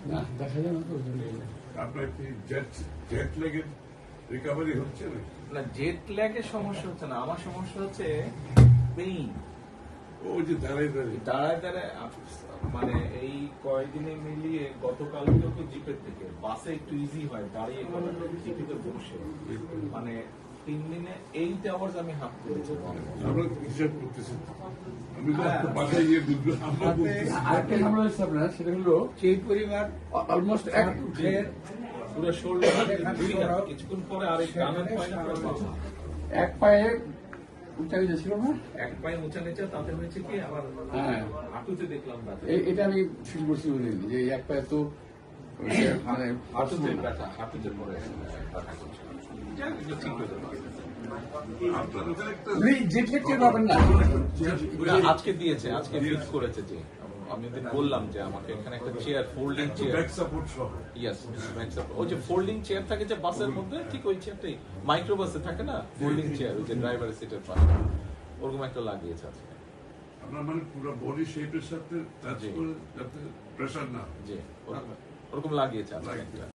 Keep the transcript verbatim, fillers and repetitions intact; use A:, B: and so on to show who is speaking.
A: না দেখা যায় না তো।
B: আপনার কি জেট জেট লেগের রিকভারি হচ্ছে না?
C: না, জেট ল্যাগের সমস্যা হচ্ছে না, আমার সমস্যা হচ্ছে পেইন।
B: ওই যে দাঁড়াই দাঁড়িয়ে
C: দাঁড়ায় দাঁড়ায় মানে এই কয়েকদিনে মিলিয়ে গতকাল তো জিপের থেকে বাসে একটু ইজি হয়, দাঁড়িয়ে জিপিতে বসে মানে তিন দিনে এইট আওয়ার্স আমি হাঁপ করেছি।
B: আমরা হিসাব করতেছি, আমি তো আপনার বাসায় গিয়ে বুঝবো। আমরা বলতেছি
A: আরেকটা ঝামেলা হচ্ছে আপনার, সেটা হলো
D: সেই পরিবার
A: অলমোস্ট এক
C: পুরো শোল্ডার কিছুক্ষণ পরে আরেক ডানের পায়ে পুরো বাঁকা।
A: এক পায়ে উঁচা গেছে ছিল না।
C: এক পায়ে উঁচা নিচে, তাতে হয়েছে কি আবার
A: হ্যাঁ,
C: হাঁটুতে দেখলাম ব্যথা।
A: এ- এটা আমি ফিল করছি বলিনি যে এই এক পায়ে তো মানে
C: হাঁটুতে ব্যথা, হাঁটুতে পরে ব্যথা করছে। যাক, এগুলো ঠিক হয়ে যাবে।
B: আপনার ওখানে একটা
A: জেট লেগ টের পাবেন না।
C: না, আজকে দিয়েছে, আজকে ফিট করেছে। যে আমি ওদের বললাম যে আমাকে এখানে একটা chair, folding chair,
B: back support সহ
C: ইয়েস, ওই যে ফোল্ডিং চেয়ার থাকে যে বাসের মধ্যে, ঠিক ওই চেয়ারটাই মাইক্রো বাসে থাকে না, ফোল্ডিং চেয়ার, ওই যে ড্রাইভারের সিটের পাশে, ওরকম একটা লাগিয়েছে আজকে।
B: আপনার মানে পুরো বডি শেপের সাথে টাচ
C: জি।
B: করে যাতে প্রেশার না
C: জি, ওরকম ওরকম লাগিয়েছে আজকে একটা।